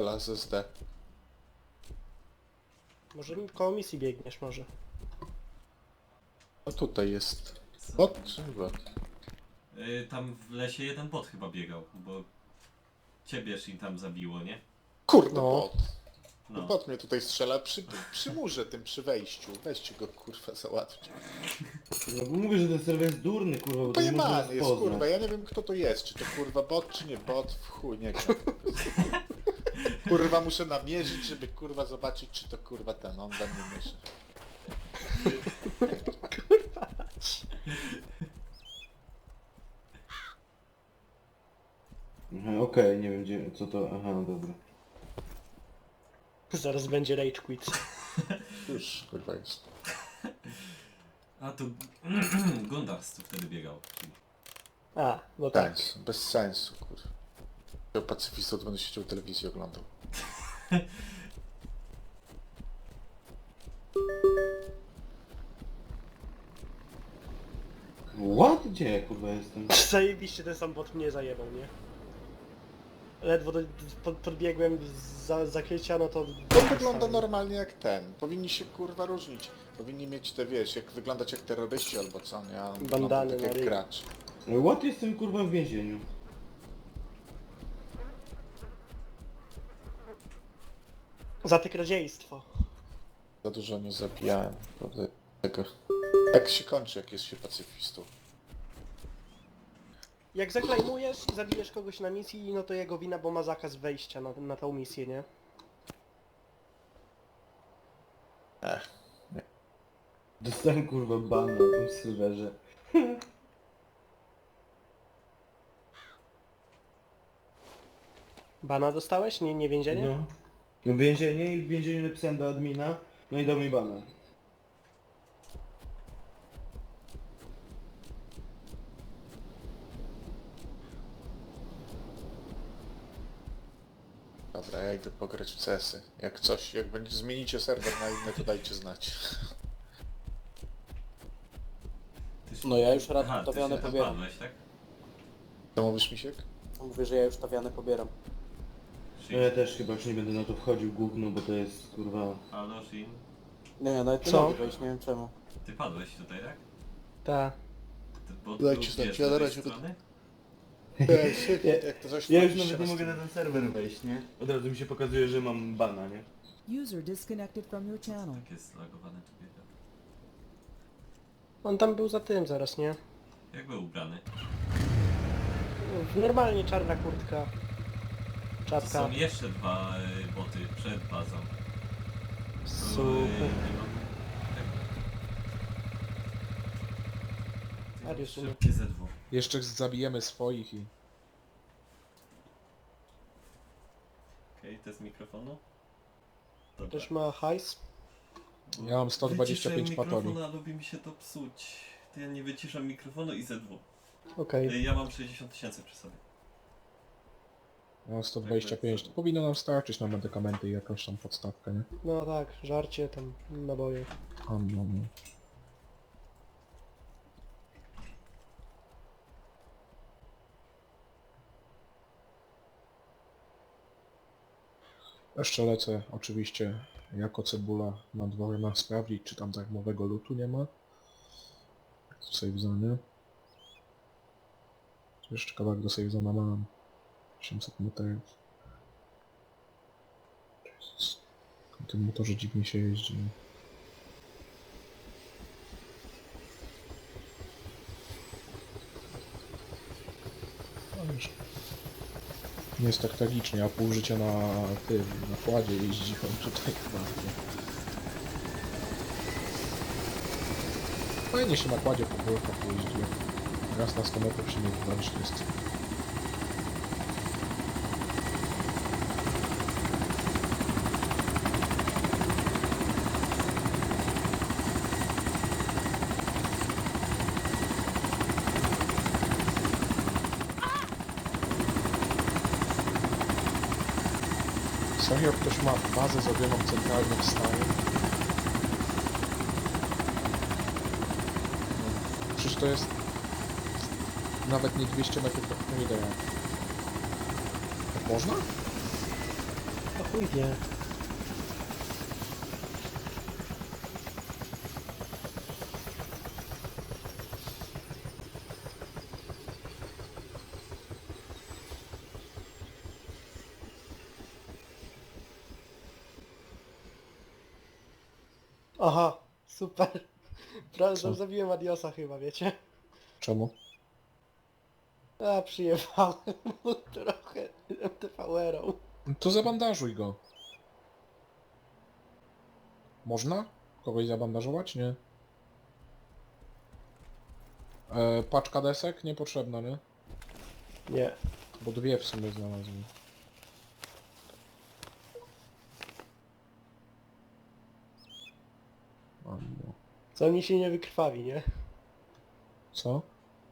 Hela z SD. Może koło misji biegniesz może. No tutaj jest. Bot czy bot? Tam w lesie jeden bot chyba biegał, bo ciebież im tam zabiło, nie? Kurde, No. bot. No. Bot mnie tutaj strzela przy murze tym, przy wejściu. Weźcie go kurwa załatwcie. No bo mówię, że ten serwer jest durny, kurwa, bo to nie można Pojebany jest rozpoznać. kurwa, ja nie wiem kto to jest, czy to kurwa bot, czy nie bot, w chuj, nie wiem. Kurwa muszę namierzyć, żeby kurwa zobaczyć, czy to kurwa ten, on we mnie mierzy. Aha, okej, nie wiem gdzie, co to, aha, no dobra. Zaraz będzie rage quit. Już kurwa jest. A tu Gundars tu wtedy biegał. A, no tak. Bez sensu kurwa. Ja pacyfistą to będę siedział telewizję oglądał. What? Gdzie ja, kurwa, jestem? Zajebiście ten sam bot mnie zajebał, nie? Ledwo podbiegłem za zakrycia, no to... To wygląda normalnie jak ten. Powinni się kurwa różnić. Powinni mieć te, wiesz, jak wyglądać jak terroryści albo co, nie? A on wygląda Bandany tak na jak ryj. gracz. What? Jestem, kurwa, w więzieniu. Za te kradziejstwo. Za dużo nie zabijałem. Prawda? Tego. Tak się kończy, jak jest się pacyfistą. Jak zaklejmujesz i zabijesz kogoś na misji, no to jego wina, bo ma zakaz wejścia na tą misję, nie? Dostałem, kurwa, ban na tym serwerze. Bana dostałeś? Nie więzienie? No. No więzienie i w więzieniu napisałem do admina, no i dał mi bana. Dobra, ja idę pograć w CS-y. Jak coś, jak będzie zmienicie serwer na inny, to dajcie znać. No ja już Aha, tawiane ty się pobieram. padłeś, tak? Co mówisz, Misiek? Mówię, że ja już tawiane pobieram. No ja też chyba już nie będę na to wchodził gówno, bo to jest, kurwa... Halo, Shin. Nie, ja nawet nie Co? mogę wejść, nie wiem czemu. Ty padłeś tutaj, tak? Tak. Ty, bo Dajcie tu, znać, wiesz, ja z na tej razie strony? Jak to coś Ja już wchodzicie nawet nie na mogę na stream. ten serwer wejść, nie? Od razu mi się pokazuje, że mam bana, nie? User disconnected from your channel. Tak jest zlagowane tu biega. On tam był za tym zaraz, nie? Jak był ubrany? Normalnie czarna kurtka. To Czapka. są jeszcze dwa boty przed bazą. Super. Nie mam... Arius umie. Szybkie ZW. Jeszcze zabijemy swoich i... Okej, to z mikrofonu? Dobra. Też ma hajs. Ja mam 125 Wyciszę patoli. mikrofon, a lubi mi się to psuć. To ja nie wyciszam mikrofonu i ZW. Okej. Ja mam 60 000 przy sobie. Ja mam 125. To powinno nam starczyć na medykamenty i jakąś tam podstawkę, nie? No tak, żarcie, tam naboje. No. Jeszcze lecę oczywiście jako cebula na dworze sprawdzić, czy tam darmowego lootu nie ma. Tu save zone. Jeszcze kawałek do save zona mam. 800 metrów. Jezus. Na tym motorze dziwnie się jeździ. No już. Nie jest tak tragicznie, a pół życia na kładzie jeździłem tutaj chyba. Fajnie się na kładzie po górkach pojeździłem. Raz na 100 metrów się nie wywalić, to jest... Serio ktoś ma bazę zrobioną centralnie w stanie? Przecież to jest... Nawet nie 200 metrów, to nie da jak. Tak można? Chuj wie. Aha, super. Prawie Co? zabiłem Adiosa chyba, wiecie? Czemu? A, przyjechałem mu trochę MTV-erą. No to zabandażuj go. Można? Kogoś zabandażować? Nie. Paczka desek? Niepotrzebna, nie? Nie. Bo dwie w sumie znalazłem. Ammo. Co mi się nie wykrwawi, nie? Co?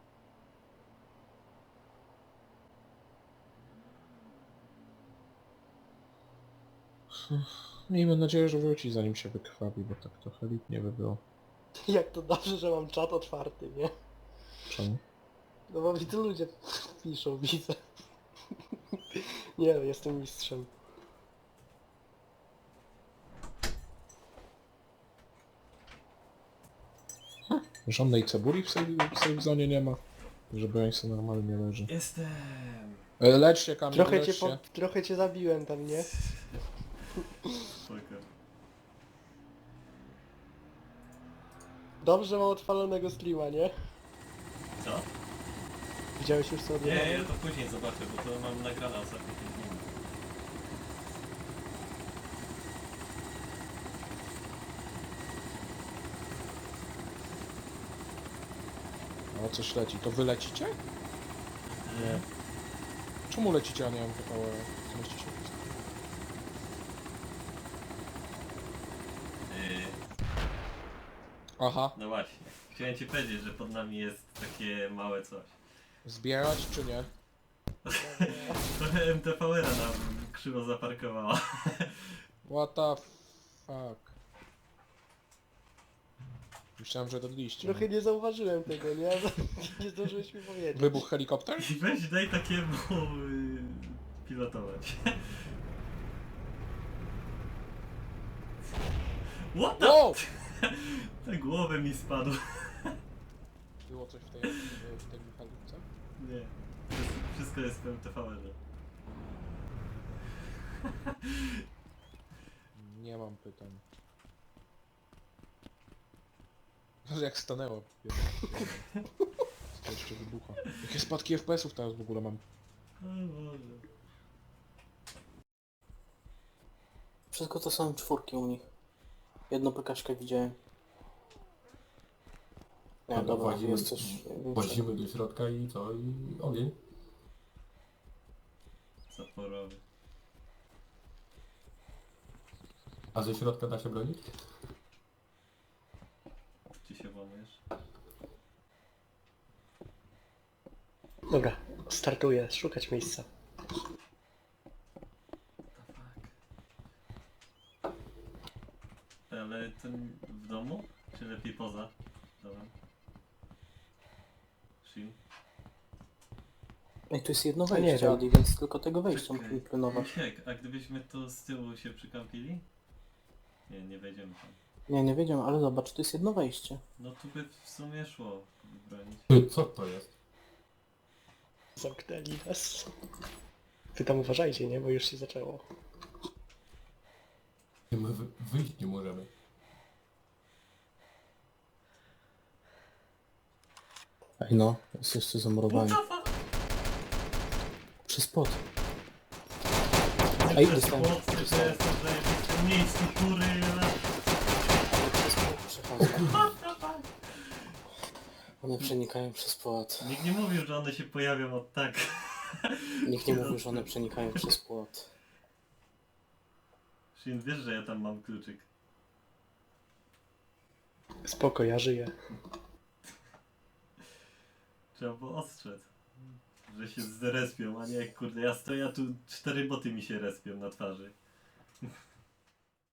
Miejmy nadzieję, że wróci zanim się wykrwawi, bo tak trochę lipnie by było. Jak to dobrze, że mam czat otwarty, nie? Czemu? No bo mi tu ludzie piszą, widzę. Nie no, jestem mistrzem. Żadnej cebuli w save zone nie ma, żeby on sobie normalnie leży. Jestem. Lecz się, Kamil, Trochę lecz cię, się. trochę cię zabiłem tam, nie? Spoko. Dobrze mam odpalonego streama, nie? Co? Widziałeś już co Nie, odjechałem? ja to później zobaczę, bo to mam nagrane ostatnio 5 minut. O, coś leci. To wy lecicie? Nie. Czemu lecicie, a nie mam PV? Zmieści się. Aha. No właśnie. Chciałem ci powiedzieć, że pod nami jest takie małe coś. Zbierać czy nie? Trochę MTV-era nam krzywo zaparkowała. What the fuck? Myślałem, że dodliście. Trochę nie zauważyłem tego, nie? Nie zdążyłeś mi powiedzieć. Wybuch helikopter? I weź daj takiemu pilotować. What the? Wow! Na głowę mi spadł. Było coś w tej mechanikce? Nie. Wszystko jest w MTV-erze. Nie mam pytań. Jak stanęło. To jeszcze wybucha. Jakie spadki FPS-ów teraz w ogóle mam? O Boże. Wszystko to są czwórki u nich. Jedną PKśkę widziałem. Nie, Dobra, dobra, włazimy- jest coś większego. Włazimy do środka i co? I ogień. Zaporowy. A ze środka da się bronić? Czy się włamiesz? Dobra, startuję, szukać miejsca. Ale ten w domu? Czy lepiej poza? Dobra. Shin? Ej, tu jest jedno A nie, wejście, no. Audi, więc tylko tego wejścia Czekaj, musimy pilnować. Misiek, a gdybyśmy tu z tyłu się przykampili? Nie, nie wejdziemy tam. Nie, nie wiedziałem, ale zobacz, tu jest jedno wejście. No tu by w sumie szło bronić. Ty, co to jest? Zamknęli nas. Wy tam uważajcie, nie? Bo już się zaczęło. My wyjść nie możemy. Ej no, jest jeszcze zamurowanie. Przez płot. Ej, dostałem. To jest w zajebistym miejscu, kurwa. Przez płot przechodzą. One przenikają przez płot. Nikt nie mówił, że one się pojawią od tak. Nikt nie mówił, że one przenikają przez płot. Shin, wiesz, że ja tam mam kluczyk. Spoko, ja żyję. Trzeba było ostrzec. Że się zrespią, a nie kurde, ja stoję, a tu 4 boty mi się respią na twarzy.